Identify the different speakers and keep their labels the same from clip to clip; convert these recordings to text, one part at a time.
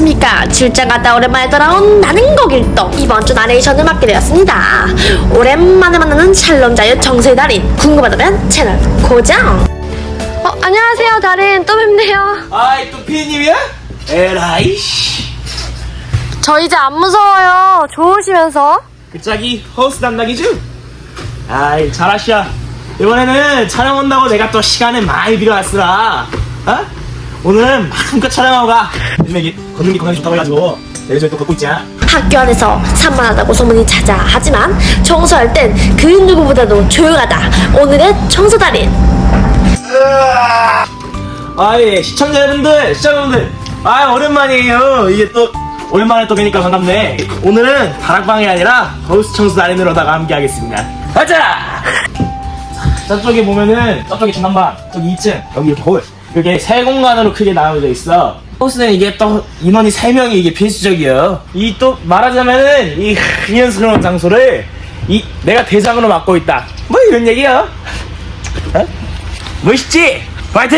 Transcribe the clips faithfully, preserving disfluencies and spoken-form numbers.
Speaker 1: 안녕하십니까. 출장 갔다 오랜만에 돌아온 나는 거길동. 이번 주 나레이션을 맡게 되었습니다. 오랜만에 만나는 샬롬자유 정세의 달인. 궁금하다면 채널 고정. 어, 안녕하세요 달인. 또 뵙네요.
Speaker 2: 아이 또 피디님이야? 에라이 씨.
Speaker 1: 저 이제 안 무서워요. 좋으시면서.
Speaker 2: 그 짝이 허우스 담당이죠? 아이 잘하시야. 이번에는 촬영 온다고 내가 또 시간을 많이 빌어왔으라. 어? 오늘은 마음껏 촬영하고 가. 요즘에 이게 걷는 게 건강에 좋다고 해가지고 내일저에 또 걷고 있자.
Speaker 1: 학교 안에서 산만하다고 소문이 자자 하지만 청소할 땐 그 누구보다도 조용하다. 오늘의 청소 달인.
Speaker 2: 아예 시청자 여러분들 시청자분들 아 오랜만이에요. 이게 또 오랜만에 또 뵈니까 반갑네. 오늘은 다락방이 아니라 허우스 청소 달인으로다가 함께 하겠습니다. 가자. 저쪽에 보면은 저쪽에 중간방 저기 이 층 여기 이렇게 홀 이게 세 공간으로 크게 나눠져 있어. 허우스는 이게 또 인원이 세 명이 이게 필수적이에요. 이 또 말하자면은 이 흥연스러운 장소를 이 내가 대장으로 맡고 있다 뭐 이런 얘기야. 어? 멋있지? 파이팅!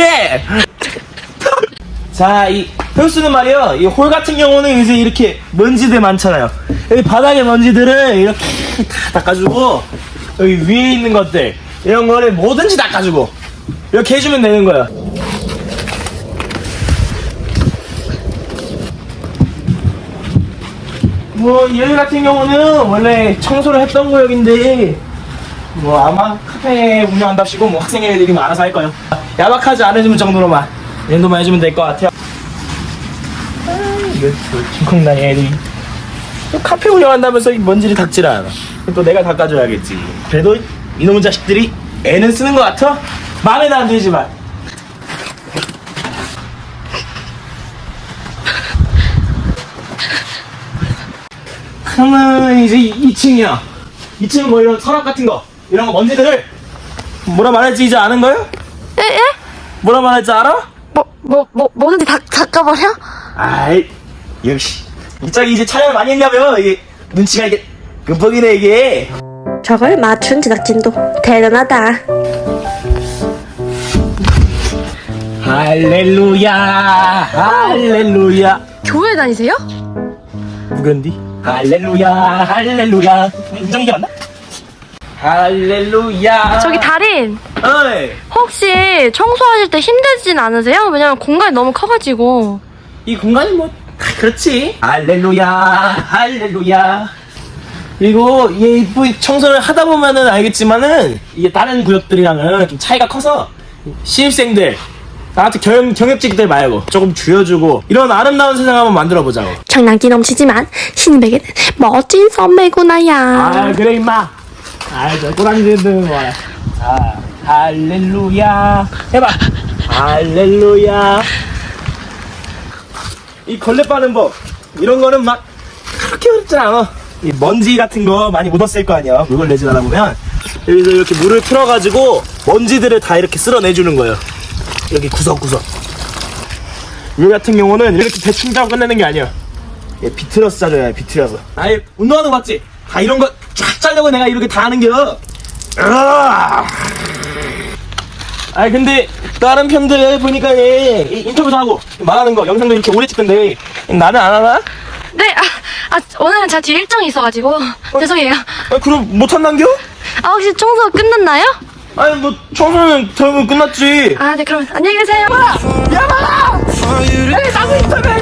Speaker 2: 자, 이 허우스는 말이요 이 홀 같은 경우는 이제 이렇게 먼지들 많잖아요. 여기 바닥에 먼지들을 이렇게 다 닦아주고 여기 위에 있는 것들 이런 거를 뭐든지 닦아주고 이렇게 해주면 되는 거야. 뭐 여기 같은 경우는 원래 청소를 했던 구역인데 뭐 아마 카페 운영한답시고 뭐 학생 애들이 뭐 알아서 할 거예요. 야박하지 않으면 정도로만 이 정도만 해주면 될 것 같아요. 아, 이거 또 킹콩나니 애들이 또 카페 운영한다면서 이 먼지를 닦질 않아. 또 내가 닦아줘야겠지. 그래도 이놈의 자식들이 애는 쓰는 것 같아? 마음에는 안 들지만. 그러면 이제 이 층이야. 이 층은 뭐 이런 서랍 같은 거 이런 거 먼지들을 뭐라 말할지 이제 아는 거야?
Speaker 1: 에? 에?
Speaker 2: 뭐라 말할지 알아?
Speaker 1: 뭐, 뭐, 뭐, 뭐든지 다 닦아버려?
Speaker 2: 아이 역시 이 짝이 이제 촬영을 많이 했냐며 이게 눈치가 이게 끔뻑이네 이게.
Speaker 1: 저걸 맞춘 제작진도 대단하다.
Speaker 2: 할렐루야 할렐루야.
Speaker 1: 교회 다니세요?
Speaker 2: 누군디? 할렐루야 할렐루야. 인정이게 맞나? 할렐루야.
Speaker 1: 저기 달인.
Speaker 2: 어이
Speaker 1: 혹시 청소하실 때 힘들진 않으세요? 왜냐면 공간이 너무 커가지고.
Speaker 2: 이 공간이 뭐 그렇지. 할렐루야 할렐루야. 그리고 이게 뭐 청소를 하다 보면은 알겠지만은 이게 다른 구역들이랑은 좀 차이가 커서 신입생들 나한테 경, 경력직들 말고 조금 줄여주고 이런 아름다운 세상 한번 만들어 보자고.
Speaker 1: 장난기 넘치지만 신입에게는 멋진 선배구나야.
Speaker 2: 아 그래 임마. 아저 꼬랑지들 뭐야. 자 할렐루야 해봐. 할렐루야. 이 걸레 빠는 법 이런 거는 막 그렇게 어렵지 않아. 이 먼지 같은 거 많이 묻었을 거 아니야. 물걸 내지 않아 보면 여기서 이렇게 물을 틀어가지고 먼지들을 다 이렇게 쓸어내주는 거예요. 여기 구석구석. 물 같은 경우는 이렇게 대충 짜고 끝내는 게 아니야. 얘 비틀어서 짜줘야 해. 비틀어서. 아예 운동하는 거 봤지? 다 이런 거 쫙 짜려고 내가 이렇게 다 하는겨. 아이 근데 다른 편들 보니까 얘 인터뷰도 하고 말하는 거 영상도 이렇게 오래 찍던데 나는 안 하나?
Speaker 1: 네, 아, 아 오늘은 제가 뒤에 일정이 있어가지고 어? 죄송해요.
Speaker 2: 아 그럼 못 한단겨?
Speaker 1: 아 혹시 청소 끝났나요?
Speaker 2: 아니 뭐 청소는 대부분 끝났지.
Speaker 1: 아 네 그럼 안녕히 계세요.
Speaker 2: 야마! 야마! 여기 나무 있다며!